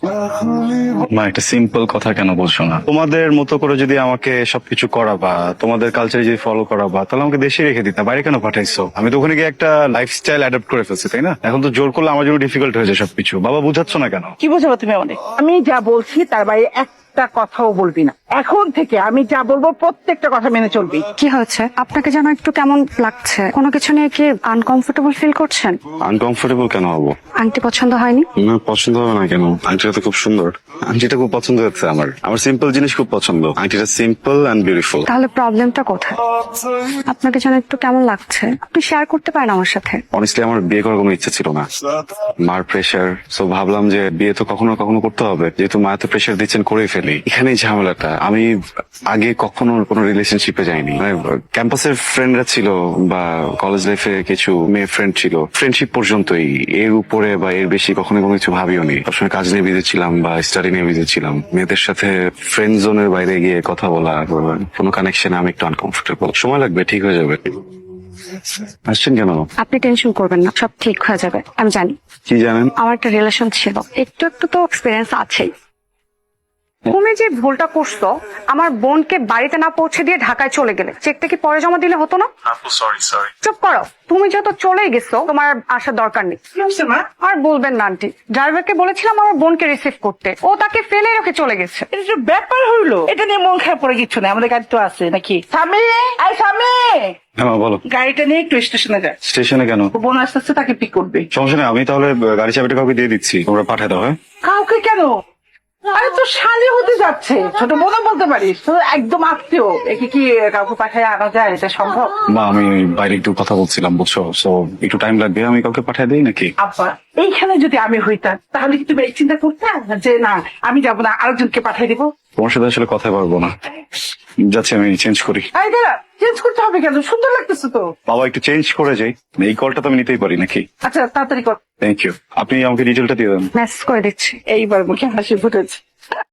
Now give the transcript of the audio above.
মা, একটা সিম্পল কথা কেন বলছো না? তোমাদের মতো করে যদি আমাকে সবকিছু করাবা, তোমাদের কালচার যদি ফলো করাবা, তাহলে আমাকে দেশে রেখে দিতা, বাইরে কেন পাঠাইছো? আমি তো ওখানে গিয়ে একটা লাইফস্টাইল অ্যাডাপ্ট করে ফেলছি, তাই না? এখন তো জোর করলে আমার জন্য ডিফিকাল্ট হয়ে যায় সবকিছু। বাবা, বুঝাচ্ছ না কেন? কি বোঝাবো তুমি অনেক? আমি যা বলছি তার বাইরে একটা কথাও বলবি না। এখন থেকে আমি যা বলবো প্রত্যেকটা কথা মেনে চলবি। কি হয়েছে? আপনাকে যেন একটু কেমন লাগছে। কোনো কিছু নিয়ে কি আনকমফোর্টেবল ফিল করছেন? আনকমফোর্টেবল কেন হবো? আংটি পছন্দ হয়নি? না, পছন্দ হবে না কেন? আংটিটা তো খুব সুন্দর। আংটিটা খুব পছন্দ হচ্ছে আমার। আমার সিম্পল জিনিস খুব পছন্দ। আংটিটা সিম্পল এন্ড বিউটিফুল। তাহলে প্রবলেমটা কোথায়? আপনাকে যেন একটু কেমন লাগছে, আপনি শেয়ার করতে পারেন আমার সাথে। অনেস্টলি আমার বিয়ে করার কোনো ইচ্ছা ছিল না। মার প্রেশার, সো ভাবলাম যে বিয়ে তো কখনো না কখনো করতে হবে, যেহেতু মা তো প্রেশার দিচ্ছেন, করেই ফেলি। এখানেই ঝামেলাটা। আমি আগে কখনো কোনো রিলেশনশিপে যাইনি। মানে ক্যাম্পাসের ফ্রেন্ডরা ছিল বা কলেজ লাইফে কিছু মেয়ে ফ্রেন্ড ছিল, ফ্রেন্ডশিপ পর্যন্তই। এর উপরে বা এর বেশি কখনো কোনো কিছু ভাবিও নি। সবসময় কাজ নিয়ে বিজি ছিলাম বা স্টাডি নিয়ে বিজি ছিলাম। মেয়েদের সাথে ফ্রেন্ড জোনের বাইরে গিয়ে কথা বলা, কোনো কানেকশনে আমি একটু আনকমফোর্টেবল। সময় লাগবে, ঠিক হয়ে যাবে। আসছেন কেন? আপনি টেনশন করবেন না, সব ঠিক হয়ে যাবে। আমি জানি কি জানেন? আমার একটা রিলেশন ছিল, একটু একটু তো এক্সপিরিয়েন্স আছেই। তুমি যে ভুলটা করছো, আমার বোনকে বাড়িতে না পৌঁছে দিয়ে ঢাকায় চলে গেলে, চেকটা কি পরে জমা দিলে হতো না? সরি। চুপ করো। তুমি যেহেতু চলেই গেছো, তোমার আর আসার দরকার নেই। কি হচ্ছে মা? আর বলবেন না আন্টি, ড্রাইভারকে বলেছিলাম আমার বোনকে রিসিভ করতে, ও তাকে ফেলে রেখে চলে গেছে। এটা যে ব্যাপার হইলো, এটা নিয়ে মন খারাপ করে কিছু না। আমাদের গাড়ি তো আছে নাকি? স্বামী, আই স্বামী, হ্যাঁ মা, বলো। গাড়িটা নিয়ে একটু স্টেশনে যায়। স্টেশনে কেন? ও বোন আসতে আসতে তাকে পিক করবে। সমস্যা নেই, আমি তাহলে গাড়ি চাবিটা কাউকে দিয়ে দিচ্ছি, তোমরা পাঠায় দাও। হ্যাঁ, কাউকে কেন? আরে তো শালি হতে যাচ্ছে, ছোট বোনও বলতে পারিস। তো একদম আত্মীয়, একে কি কাউকে পাঠায় আনা যায়? এটা সম্ভব? মা, আমি বাইরে একটু কথা বলছিলাম, বুঝছো, সো একটু টাইম লাগবে। আমি কাউকে পাঠিয়ে দিই নাকি? আব্বা, এইখানে যদি আমি হইতাম তাহলে কি তুমি এই চিন্তা করতে যে না আমি যাবো না, আরেকজনকে পাঠিয়ে দিবো? তোমার সাথে আসলে কথা পারবো না, যাচ্ছি, আমি চেঞ্জ করি। আরে দাঁড়া, চেঞ্জ করতে হবে কেন? সুন্দর লাগতেছে তো। বাবা, একটু চেঞ্জ করে যাই। এই কলটা তো আমি নিতেই পারি নাকি? আচ্ছা তাড়াতাড়ি কর। Thank you. আপনি আমাকে ডিটেলটা দিয়ে দেন। মেসেজ করে দিচ্ছি। এইবার মুখে হাসি ফুটেছে।